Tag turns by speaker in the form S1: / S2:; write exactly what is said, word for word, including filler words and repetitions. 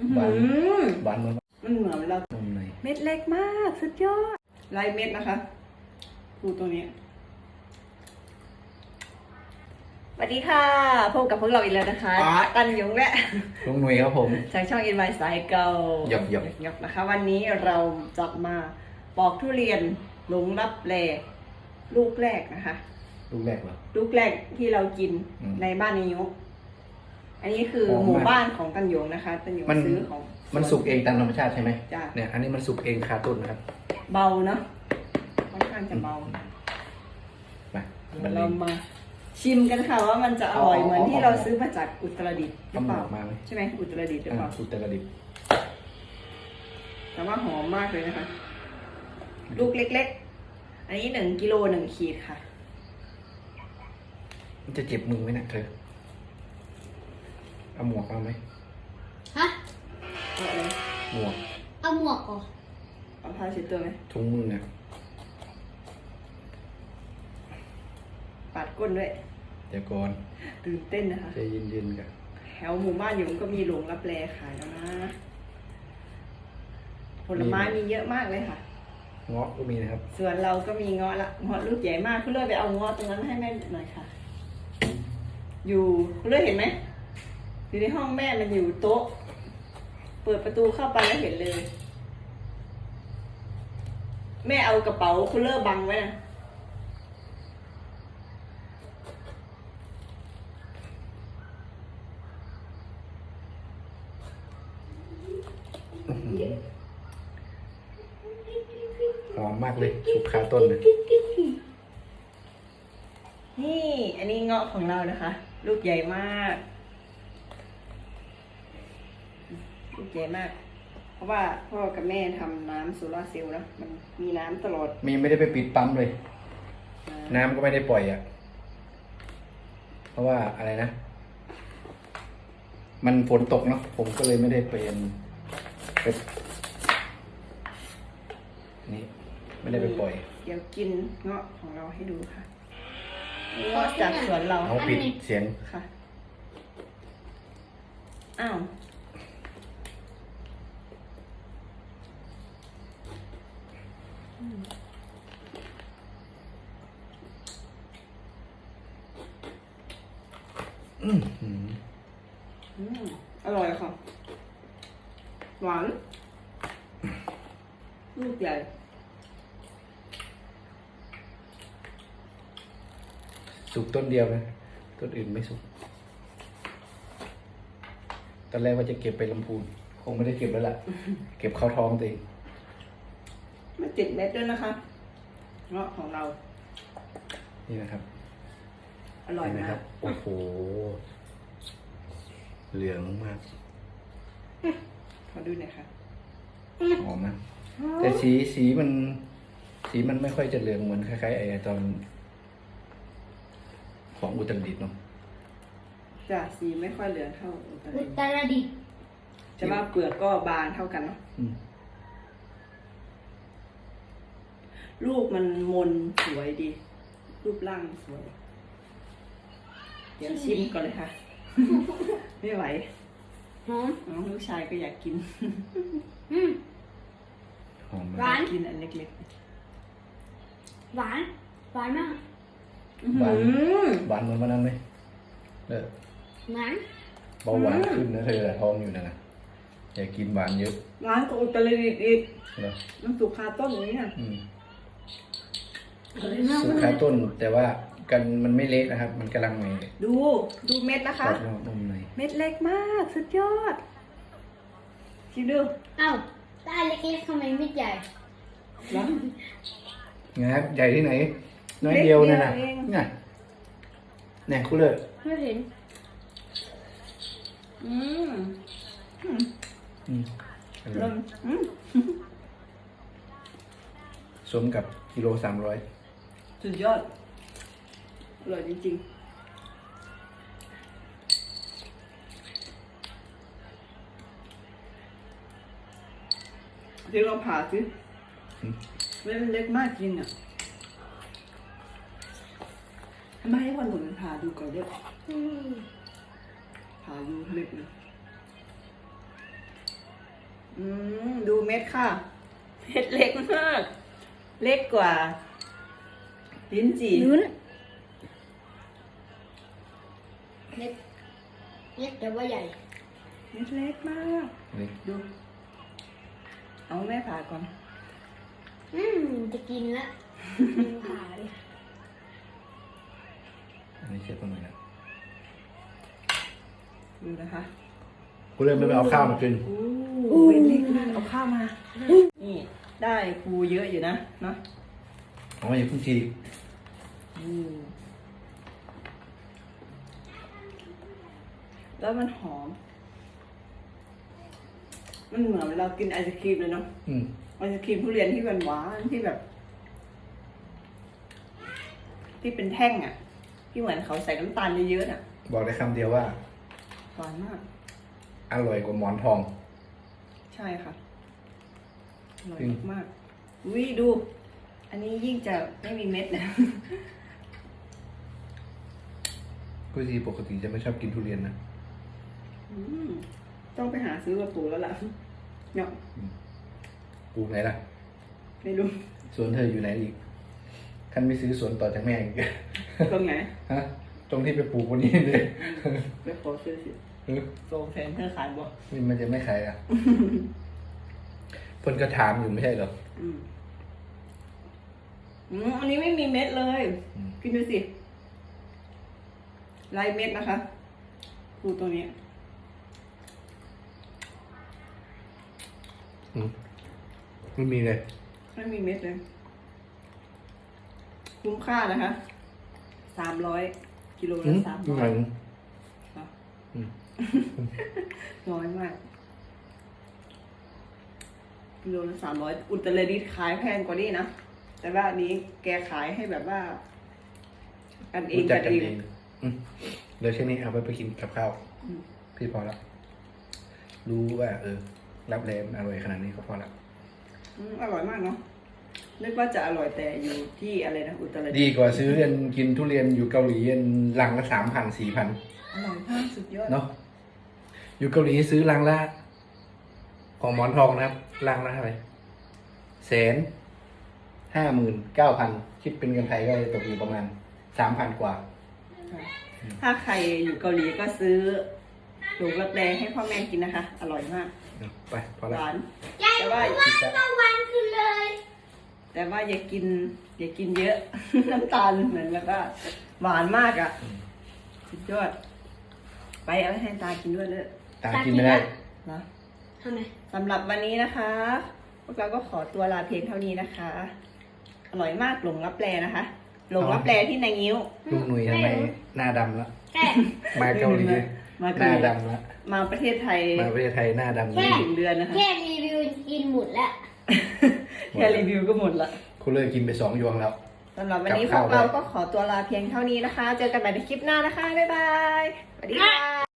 S1: หวานหวานเหมือน
S2: มันเหมือนเราเม็ดเล็กมากสุดยอดลายเม็ดนะคะดูตัวนี้สวัสดีค่ะพบกับพวกเราอีกแล้วนะคะตันยงและ
S1: ลุงหนุ่ยครับผม
S2: จากช่อง อิน วาย สายเก่า
S1: หยอกหยอก
S2: หยอกนะคะวันนี้เราจะมาปอกทุเรียนหลงลับแลลูกแรกนะคะ
S1: ลูกแรกเหรอ
S2: ลูกแรกที่เรากินในบ้านนิยมอันนี้คือหมู่บ้านของตันยงนะคะตันยงซื้อของ
S1: มันสุกเองตามธรรมชาติใช่ไหม
S2: จ้ะ
S1: เนี่ยอันนี้มันสุกเองคาต้นนะครับ
S2: เบาเนาะค่อนข้างจะเบา
S1: มา
S2: เรามาชิมกันค่ะว่ามันจะอร่อยเหมือนที่เราซื้อมาจากอุตรดิตถ์หรือเปล่าใช่ไหมอุตรดิตถ์หรือเปล่า
S1: อุตรดิตถ์
S2: แต่ว่าหอมมากเลยนะคะลูกเล็กๆอันนี้หนึ่งกิโลหนึ่งขีดค่ะ
S1: มันจะเจ็บมือไหมเนี่ยเธอเอาหมวกเอาไหม
S3: ฮะ
S2: เอาอะไร
S1: หมวก
S3: เอาหมวกก่อน
S2: เอาผ้าเช็ดตัวไหม
S1: ถุงมือเนี่ย
S2: ปาดก้นด้วย
S1: เดี๋ยวก่อน
S2: ตื่นเต้นนะคะ
S1: ใจเย็นๆกัน
S2: แถวหมู่บ้านอยู่มันก็มีหลงรับแลขายแล้วนะผลไม้มีเยอะมากเลยค่ะ
S1: เงาะก็มีนะครับ
S2: ส่วนเราก็มีเงาะละเงาะลูกใหญ่มากคุณเลิศไปเอาเงาะตรงนั้นให้แม่หน่อยค่ะอยู่คุณเลิศเห็นไหมอยู่ในห้องแม่มันอยู่โต๊ะเปิดประตูเข้าไปแล้วเห็นเลยแม่เอากระเป๋าคุณเลิศบังไว้นะ
S1: หอมมากเลยสุกคาต้นเลย
S2: นี่อันนี้เงาะของเรานะคะลูกใหญ่มากลูกใหญ่มากเพราะว่าพ่อกับแม่ทำน้ำโซลาร์เซลล์นะมันมีน้ำตลอด
S1: มีไม่ได้ไปปิดปั๊มเลยน้ำก็ไม่ได้ปล่อยอ่ะเพราะว่าอะไรนะมันฝนตกเนาะผมก็เลยไม่ได้เป็นไปนี่ไม่ได้ไปปล่อย
S2: เดี๋ยวกินเงาะของเราให้ดูค่ะเงาะจากสวนเรา
S1: เอาปิดเสียง
S2: ค่ะอ้าว
S1: อืมอื
S2: มอร่อยค่ะหวานลูกใหญ่
S1: สุกต้นเดียวนะต้นอื่นไม่สุกตอนแรกว่าจะเก็บไปลำพูนคงไม่ได้เก็บแล้วล่ะ เก็บเข้าท้องตัวเอง
S2: มันติดเม็ดด้วยนะคะเงาะของเรา
S1: นี่นะครับ
S2: อร่อยมาก
S1: โอ้โหเหลืองมาก
S2: ขอดูหน่อยค่ะ
S1: หอมนะแต่สีสีมันสีมันไม่ค่อยจะเหลืองเหมือนคล้ายๆไอ้ตอนของอุตรดิตถ์เนาะ
S2: จ้ะสีไม่ค่อยเหลืองเท่าอุตรดิตถ์
S3: อุตรดิตถ์
S2: จะว่าเปลือกก็บางเท่ากันเนาะลูกมันมนสวยดีรูปร่างสวยเดี๋ยวชิมก่อนเลยค่ะไม่ไหวน้องลูกชายก็อยากกิน
S1: หอม
S3: หวาน
S2: กินอันเล็ก
S3: ๆหวานหวานมาก
S1: หวานหวานเหมือนวันนั้นไหมเออ
S3: หวาน
S1: เบาหวานขึ้นนะเธอท้องอยู่นะนะอย่ากินหวานเยอะ
S2: หวานกับอุตรดิตถ์อีกมันสุกคาต้นอย่างนี้นะ
S1: สุกคาต้นแต่ว่ากันมันไม่เละนะครับมันกำลังใหม่
S2: ดูดูเม็ดนะคะเม็ดเล็กมากสุดยอดชิมดู
S3: อ้าวได้เล็กๆทำไมไม่ใหญ่
S1: งับใหญ่ที่ไหนน้อยเดียวเนี่ยนะเนี่ยเนี่ยคุณเลย
S3: ไม่เห็น
S2: อืม
S1: อืม
S2: อืม
S1: สมกับกิโลสามร้อย
S2: สุดยอดอร่อยจริงๆเดี๋ยวเราผ่าสิเม็ดเล็กมากจริงอ่ะทำไมให้วันหนุนผ่าดูก่อนเยอะผ่าดูเล็กเลยอืมดูเม็ดค่ะ เม็ดเล็กมาก เล็กกว่า ลิ้นจี่
S3: ลุ้นเล็กเล็กแต่ว่าใหญ่
S2: เม็ดเล็กมาก
S1: นี่
S2: ดู เอาแม่ผ่าก่อน
S3: อืมจะกินละกินขาดิ
S1: อันนี้เช็ดตรงไหนนะ
S2: ดูนะคะ
S1: กูเริ่มไม่ไปเอาข้าวมากิน
S2: อู้เม็ดเล็กมากเอาข้าวมา นี่ได้ปูเยอะอยู่นะเนาะ
S1: เอามาอย่าเพิ่งที
S2: อืมแล้วมันหอม มันเหมือนเรากินไอศครีมเลยเนาะ
S1: อืม
S2: ไอศครีมทุเรียนที่หวานหวานๆที่แบบ ที่เป็นแท่งอ่ะ ที่เหมือนเขาใส่น้ำตาลเยอะๆอ่ะ
S1: บอกได้คำเดียวว่า
S2: หวานมาก
S1: อร่อยกว่าหมอนทอง
S2: ใช่ค่ะอร่อย
S1: จริง
S2: มากอุ้ยดู อันนี้ยิ่งจะไม่มีเม็ดนะ
S1: กูทีปกติจะไม่ชอบกินทุเรียนนะ
S2: อืมต้องไปหาซื้อกับปู่แล้วล่ะเนาะ
S1: ปลูกไหนล่ะ
S2: ไม่รู้
S1: สวนเธออยู่ไหนอีกท่านไม่ซื้อสวนต่อจากแม่อีก
S2: ตรงไหน
S1: ฮะ ตรงที่ไปปลูกวันนี้เลย
S2: ไปขอซื้อสิ
S1: เออ
S2: โซงแทนเธอขายบ่
S1: นี่มันจะไม่ขายอ่ะ เพิ่นก็ถามอยู่ไม่ใช่เหรอ
S2: อืมอืมอันนี้ไม่มีเม็ดเลย
S1: อืม
S2: กินดูสิลายเม็ดนะคะดูตรงนี้
S1: อืมไม่มีเลย
S2: ไม่มีเม็ดเลย คุ้มค่านะคะสามร้อยกิโล
S1: อื
S2: ละ
S1: ม
S2: สาม
S1: ดู
S2: ร้
S1: ห
S2: อ
S1: น่
S2: ย
S1: อย อืม
S2: น้อยมากกิโลละสามร้อยอุตรดิตถ์ขายแพงกว่านี้นะ แต่ว่าอันนี้แกขายให้แบบว่า กันเอง
S1: รู้จั
S2: กั
S1: ก
S2: น
S1: กัน
S2: เอง
S1: เองอืมเดี๋ยวเช่นนี้เอาไปไปกินกับข้าว
S2: อืม
S1: พี่พอละรู้ว่า เออ รับแรงอร่อยขนาดนี้ก็พอละ
S2: อืมอร่อยมากเนาะนึกว่าจะอร่อยแต่อยู่ที่อะไรนะอุตรดิ
S1: ดี
S2: ตถ์
S1: กว่าซื้อเรียนกินทุเรียนอยู่เกาหลีเรียนลังละสามพันสี่พัน
S2: อร่อยมากสุดยอด
S1: เนาะอยู่เกาหลีซื้อลังละของหมอนทองนะครับลังละเท่าไหร่แสนห้าหมื่นเก้าพันคิดเป็นเงินไทยก็ตกอยู่ประมาณสามพันกว่า
S2: ค่ะถ้าใครอยู่เกาหลีก็ซื้อหลูกรับแรงให้พ่อแม่กินนะคะ อร่อยมาก
S1: ไปพอ
S2: ห
S1: ละ
S2: วาน
S3: ยาย
S2: แต่ว่า
S3: เมื่อวันคือเลย
S2: แต่ว่าอย่ากิน อย่ากินเยอะ น้ำตาลเหมือนแบบว่าหวานมากอะ่ะ สุดยอด ไปเอาให้ตากินด้วยเลย
S1: ตากินไม่ได้
S2: นะ
S3: ทำไม
S2: สำหรับวันนี้นะคะ พวกเราก็ขอตัวลาเพียงเท่านี้นะคะ อร่อยมากหลงรับแลนะคะ หลงรับแลที่นายงิ้ว
S1: ลูกหนุ่ยทำไมหน้าดำแล้ว
S3: แค่
S1: มาเกาหลี
S2: มา
S1: ห
S2: เกา
S1: น้า
S2: หลี
S1: ดำแล้ว
S2: มาประเทศไทย
S1: มาประเทศไทยหน้าดำ
S2: ไม่
S1: เลย
S2: ถึงเดือนนะคะ
S3: แค่รีวิวกินหมดแล้ว
S2: แค่รีวิวก็หมดละ
S1: คุณเลิกกินไปสองยวงแล้ว
S2: สำหรับวันนี้พ
S1: กับ
S2: ว
S1: ข้าว
S2: กเราก็ขอตัวลาเพียงเท่านี้นะคะ เจอกันใหม่ในคลิปหน้านะคะ บ๊ายบาย สวัสดีค่ะ